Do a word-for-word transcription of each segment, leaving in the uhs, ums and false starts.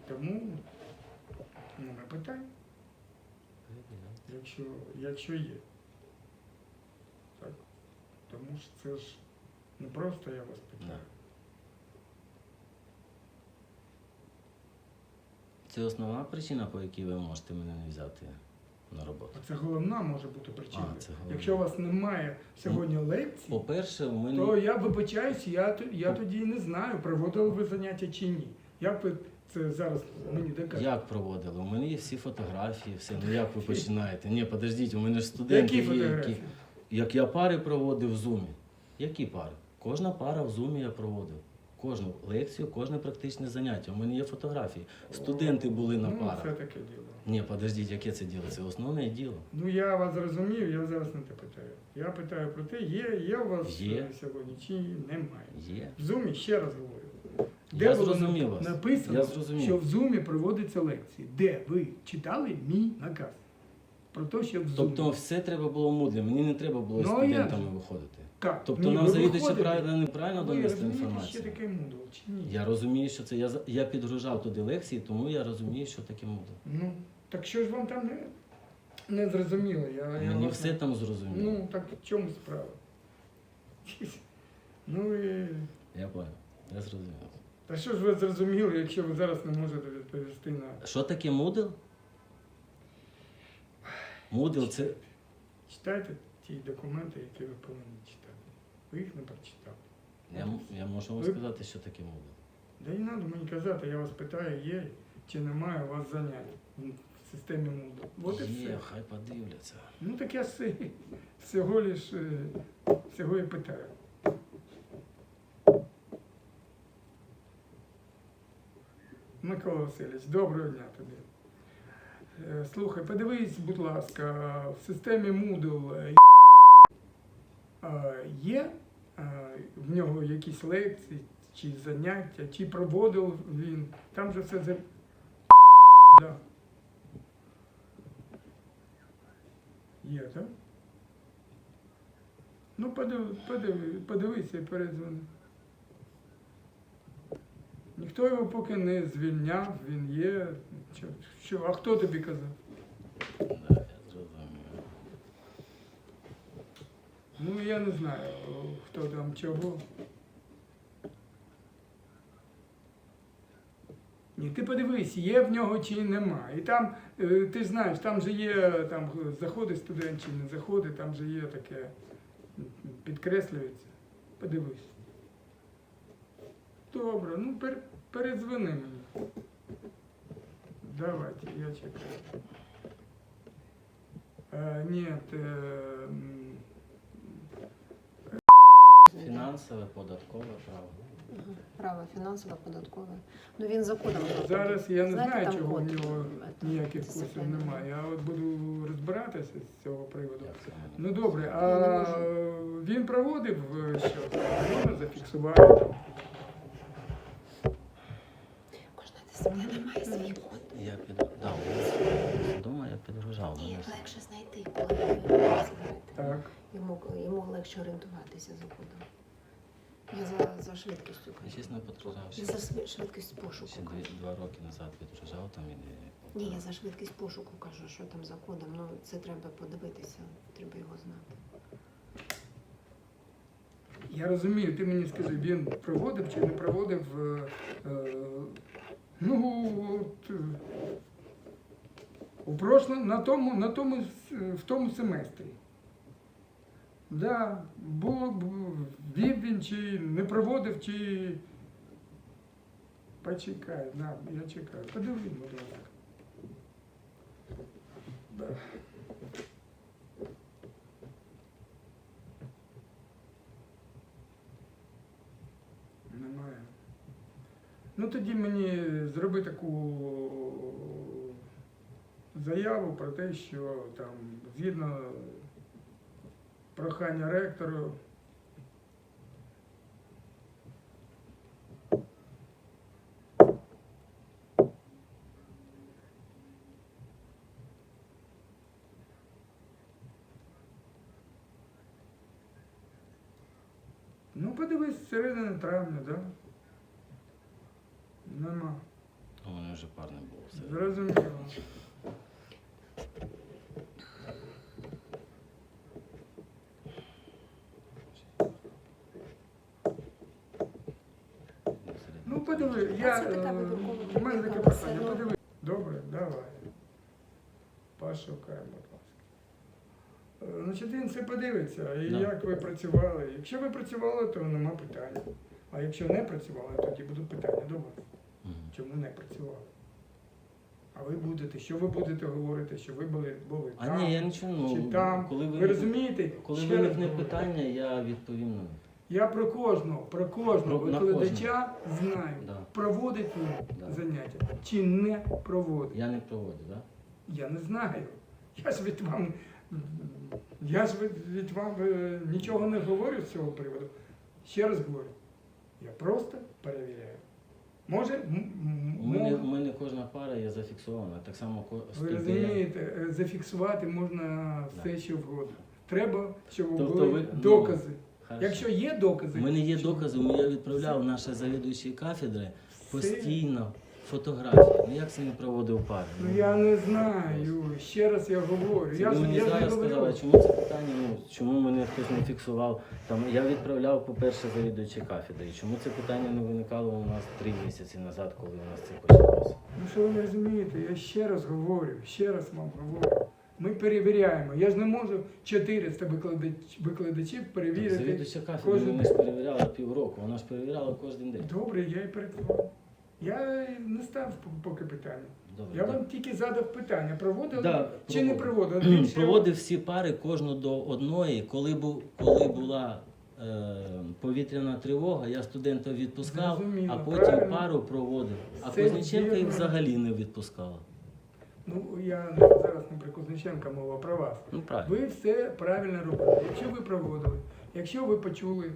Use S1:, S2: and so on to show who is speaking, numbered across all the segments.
S1: Тому ну, не питай, якщо, якщо є. Так? Тому що це ж не просто я вас питаю.
S2: Це основна причина, по якій ви можете мене не взяти на роботу?
S1: Це головна може бути причина.
S2: А, це головна.
S1: Якщо у вас немає сьогодні лекцій,
S2: По-перше, у мене...
S1: то я вибачаюсь, я, т- я тоді і не знаю, проводили ви заняття чи ні. Як ви це зараз мені докажете?
S2: Як проводили? У мене є всі фотографії, все. Ну як ви починаєте? Ні, подождіть, у мене ж студенти
S1: Які
S2: є,
S1: фотографії?
S2: які... Як я пари проводив в Zoom. Які пари? Кожна пара в Zoom я проводив. Кожну лекцію, кожне практичне заняття. У мене є фотографії. Студенти були на
S1: Ну,
S2: парах.
S1: це таке діло.
S2: Ні, подождіть, яке це діло? Це основне діло.
S1: Ну я вас зрозумів, я зараз не те питаю. Я питаю про те, є, є у вас
S2: Є.
S1: е, сьогодні чи немає.
S2: Є.
S1: В Зумі, ще раз говорю.
S2: Я
S1: було
S2: зрозумів
S1: нап-
S2: вас.
S1: написано,
S2: Я зрозумів.
S1: що в Зумі проводяться лекції? Де ви читали мій наказ? Про те, що в Зумі.
S2: Тобто все треба було мудрі. Мені не треба було
S1: Ну, а як
S2: студентами
S1: же?
S2: виходити.
S1: Так,
S2: Тобто
S1: ні,
S2: нам
S1: ви
S2: завідувачі
S1: виходите.
S2: правильно, неправильно
S1: Ви
S2: донести
S1: розумієте,
S2: інформацію.
S1: що таке мудро, чи ні?
S2: Я розумію, що це. Я, за- я підгружав туди лекції, тому я розумію, що таке мудро.
S1: Ну, так що ж вам там не, не зрозуміло? Я, я
S2: Мені
S1: вас
S2: все
S1: не-
S2: там зрозуміло.
S1: Ну, так в чому справа? Ну і...
S2: Я понял. Я зрозумів.
S1: Та що ж ви зрозуміли, якщо ви зараз не можете відповісти на...
S2: Що таке Moodle? Moodle це...
S1: Читайте ті документи, які ви повинні читати. Ви їх не прочитали.
S2: Я, м- я можу вам
S1: Ви-
S2: сказати, що таке Moodle.
S1: Да не треба мені казати, я вас питаю, є чи немає у вас занять в системі Moodle. От і
S2: Є,
S1: все.
S2: хай подивляться.
S1: Ну так я все, всього лиш, е, всього і питаю. Микола Васильович, доброго дня тобі. Е, Слухай, подивись, будь ласка, в системі Moodle е, е, є е, в нього якісь лекції чи заняття, чи проводив він. Там же все за... Да. Є, так? Ну, подив, подив, подивися і передзвони. Ніхто його поки не звільняв, він є. Що, що? А хто тобі казав?
S2: Да, я зрозумів.
S1: Ну, я не знаю, хто там чого. Ні, ти подивись, є в нього чи нема. І там, е, ти ж знаєш, там же є, там заходить студент чи не заходить, там же є таке, м, підкреслюється. Подивись. Добре, ну пер, передзвони мені. Давайте, я чекаю. Е, ні, е, м,
S2: Фінансове, податкове право.
S3: Ага, право фінансове, податкове. Ну він за кодом.
S1: зараз я не
S3: Знаєте,
S1: знаю,
S3: там
S1: чого в
S3: код,
S1: нього
S3: це,
S1: ніяких
S3: дисципліна.
S1: курсів немає. Я от буду розбиратися з цього приводу.
S2: Як це мене?
S1: Ну добре,
S3: Я
S1: а
S3: не
S1: він проводив е, що? Можна зафіксувати там?
S3: Кожна дисципліна має свій код.
S2: Я під... Да, у вас вдома я підгружав.
S3: І
S2: мене ж-
S3: легше знайти, коли ви знаєте.
S1: Так.
S3: Йому, йому легше орієнтуватися за кодом. Я за, за швидкістю
S2: Я
S3: кажу.
S2: чесно підгружав.
S3: Я за швид- швидкість пошуку
S2: Ще дві,
S3: кажу.
S2: два роки назад підгружав там і...
S3: Ні, я за швидкість пошуку кажу, що там за кодом. Ну, це треба подивитися, треба його знати.
S1: Я розумію, ти мені скажи, він проводив чи не проводив, е, е, ну, от, е, у прошлому, на тому, на тому, с- в тому семестрі. Да, було б, вів він чи не проводив, чи... Почекай, да, я чекаю. Подивись, будь ласка. Да. Немає. Ну тоді мені зроби таку заяву про те, що там згідно прохання ректору ну подивись, з середини травня, да? Нема.
S2: У мене мене вже пар не було. Все.
S1: Зрозуміло. Ну, подиви, я,
S3: Це така
S1: е,
S3: вибіркова
S1: у мене таке
S3: техніка,
S1: питання,
S3: все одно.
S1: подиви. Добре, давай. Пошукаємо, будь ласка. Е, Значить, він все подивиться, і
S2: Да.
S1: як ви працювали. Якщо ви працювали, то нема питань. А якщо не працювали, тоді будуть питання до вас.
S2: Мгм.
S1: Чому не працювали? А ви будете, що ви будете говорити, що ви були, були
S2: А
S1: там,
S2: ні, я нічого, ну,
S1: чи там.
S2: коли
S1: Ви
S2: ви,
S1: розумієте?
S2: коли
S1: Ще раз
S2: виникне
S1: говорю.
S2: питання, я відповім на них.
S1: Я про кожного, про кожного
S2: Про- на
S1: викладача знаю,
S2: Да.
S1: проводить він
S2: Да.
S1: заняття чи не проводить.
S2: Я не проводив, так? Да?
S1: Я не знаю. Я ж від вам, я ж від, від вам е, нічого не говорю з цього приводу. Ще раз говорю, я просто перевіряю. Може, м- м-
S2: У мене,
S1: мов-
S2: у мене кожна пара є зафіксована, так само ко-
S1: ви
S2: студія.
S1: розумієте, е, зафіксувати можна все,
S2: Да.
S1: що вгодно. Треба, щоб
S2: Тобто
S1: були
S2: ви- ну,
S1: докази.
S2: Хорошо.
S1: Якщо є докази,
S2: У мене є
S1: що-
S2: докази, я відправляв наші завідуючі кафедри
S1: Все.
S2: постійно фотографії. Ну як це не проводив пари?
S1: Ну я не знаю. Ще раз я говорю.
S2: Це
S1: Я
S2: ви
S1: ж
S2: мені
S1: я ж не
S2: зараз
S1: говорю.
S2: сказали, чому це питання, ну чому мене хтось не фіксував. Там я відправляв, по-перше, завідуючі кафедри. І чому це питання не виникало у нас три місяці назад, коли у нас це почалося?
S1: Ну що ви не розумієте, я ще раз говорю, ще раз вам говорю. Ми перевіряємо. Я ж не можу чотириста викладач, викладачів перевірити.
S2: Завідуюча кафедри
S1: кожен
S2: вони ж перевіряли півроку, вона ж перевіряла кожен день.
S1: Добре, я і перед Я не став поки питання.
S2: Добре,
S1: Я
S2: так.
S1: вам тільки задав питання, проводили
S2: Да,
S1: чи не
S2: проводив.
S1: проводили. Більше-
S2: Проводив всі пари кожну до одної. Коли був, коли була е, повітряна тривога, я студента відпускав,
S1: Зрозуміло,
S2: а потім
S1: правильно.
S2: пару проводив. А
S1: Все
S2: Кузнєченка їх
S1: вірно.
S2: взагалі не відпускала.
S1: Ну, я зараз не про Кузнєченка мова, про вас.
S2: Ну правильно.
S1: Ви все правильно робили. Якщо ви проводили, якщо ви почули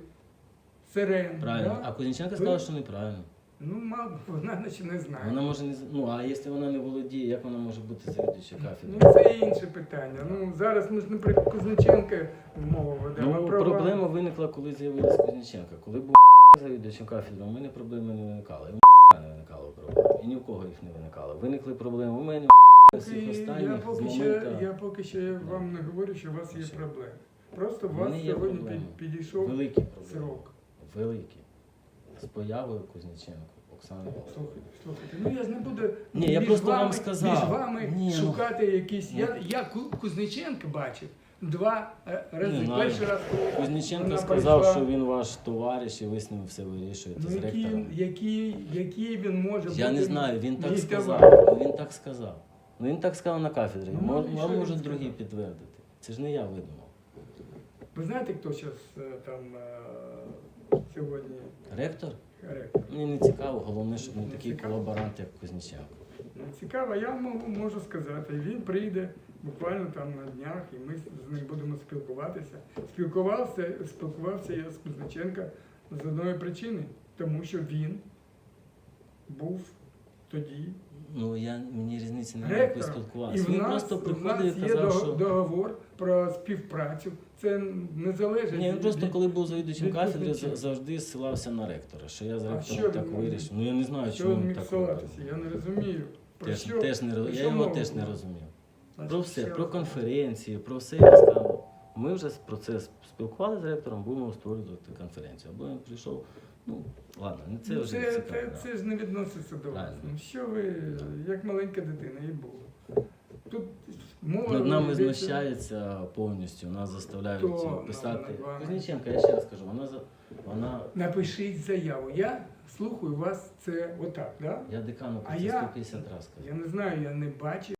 S1: сирен,
S2: Правильно.
S1: да?
S2: А Кузнєченка
S1: Ви-
S2: сказала, що неправильно.
S1: ну, мало, вона наче не знає.
S2: Вона може не з- ну а якщо вона не володіє, як вона може бути завідуюча кафедри?
S1: Ну, це інше питання. Ну, зараз ми ж не про Кузнєченка мову ведемо,
S2: Ну,
S1: а про
S2: проблема
S1: вас.
S2: виникла, коли з'явилась Кузнєченка. Коли був завідувачем кафедри, у мене проблеми не виникали. І у не виникало проблем. І ні в кого їх не виникало. Виникли проблеми у мене, у всіх
S1: Поки-
S2: останніх
S1: я
S2: з
S1: поки ще,
S2: моменту.
S1: я поки ще вам не говорю, що у вас є
S2: Ще.
S1: проблеми. Просто у
S2: У
S1: вас
S2: мене є
S1: сьогодні
S2: проблеми.
S1: під- підійшов
S2: Великі проблеми.
S1: срок.
S2: Великі. З появою Кузнєченко, Оксани Володимирівни.
S1: Слухайте, слухайте, ну я ж не буду
S2: Ні, я
S1: між
S2: просто вам
S1: вами,
S2: сказав.
S1: між вами
S2: Ні, ну.
S1: шукати якісь.
S2: Ну.
S1: Я, я Ку- Кузнєченка бачив два е, рази.
S2: Не знаю.
S1: Перший раз, коли
S2: Кузнєченко
S1: вона
S2: сказав,
S1: прийшла.
S2: що він ваш товариш і ви з ним все вирішуєте
S1: Ну,
S2: з
S1: який,
S2: ректором.
S1: який, який він може бути?
S2: Я не знаю, він так
S1: мій
S2: сказав.
S1: товариш?
S2: Ну, він так сказав. Ну він так сказав на кафедрі.
S1: Ну,
S2: Мож-
S1: і що
S2: Вам
S1: він
S2: можуть
S1: сказав?
S2: другі підтвердити. Це ж не я видумав.
S1: Ви знаєте, хто зараз там е, сьогодні
S2: Ректор?
S1: ректор?
S2: Мені не цікаво, головне, щоб не
S1: Не
S2: такий
S1: цікаво?
S2: колаборант, як Кузнєченко.
S1: Ну, цікаво, я можу, можу сказати. Він прийде буквально там на днях, і ми з ним будемо спілкуватися. Спілкувався, спілкувався я з Кузнєченка з одної причини, тому що він був тоді
S2: Ну я мені різниці немає, як ви
S1: ректором. І
S2: спілкувалися.
S1: в
S2: Він
S1: нас,
S2: просто
S1: в нас
S2: приходив і
S1: є
S2: казав,
S1: дог-
S2: що.
S1: договор про співпрацю. Це не залежить.
S2: Ні, він просто
S1: від-
S2: коли був завідувачем
S1: від
S2: кафедри,
S1: Кузнєченка.
S2: за- завжди ссилався на ректора, що я з
S1: А
S2: ректором
S1: що
S2: так
S1: він мог-
S2: вирішив. Ну я не знаю,
S1: Що
S2: чому
S1: він
S2: він
S1: міг
S2: так
S1: ссилатися?
S2: робив.
S1: Я не розумію. Про
S2: Теж,
S1: що?
S2: теж не роз-
S1: про
S2: я
S1: що
S2: його
S1: мова
S2: теж не
S1: була?
S2: розумів.
S1: Значить,
S2: Про все,
S1: ще
S2: про
S1: раз.
S2: конференції, про все я сказав. Ми вже про це спілкувалися з ректором, будемо створювати конференцію. Або він прийшов, ну ладно, не це
S1: Ну,
S2: вже
S1: це,
S2: цікаво.
S1: це,
S2: да.
S1: це ж не відноситься до вас.
S2: Правильно.
S1: Ну що ви, як маленька дитина, і було. Тут мова
S2: Над нами
S1: йдеться-
S2: знущаються повністю, нас заставляють
S1: Хто
S2: писати.
S1: над вами?
S2: Кузнєченка, я ще раз кажу, вона за вона.
S1: Напишіть заяву. Я слухаю вас це отак, да?
S2: Я декану
S1: А
S2: про це
S1: я-
S2: сто п'ятдесят разів сказав.
S1: Я не знаю, я не бачив.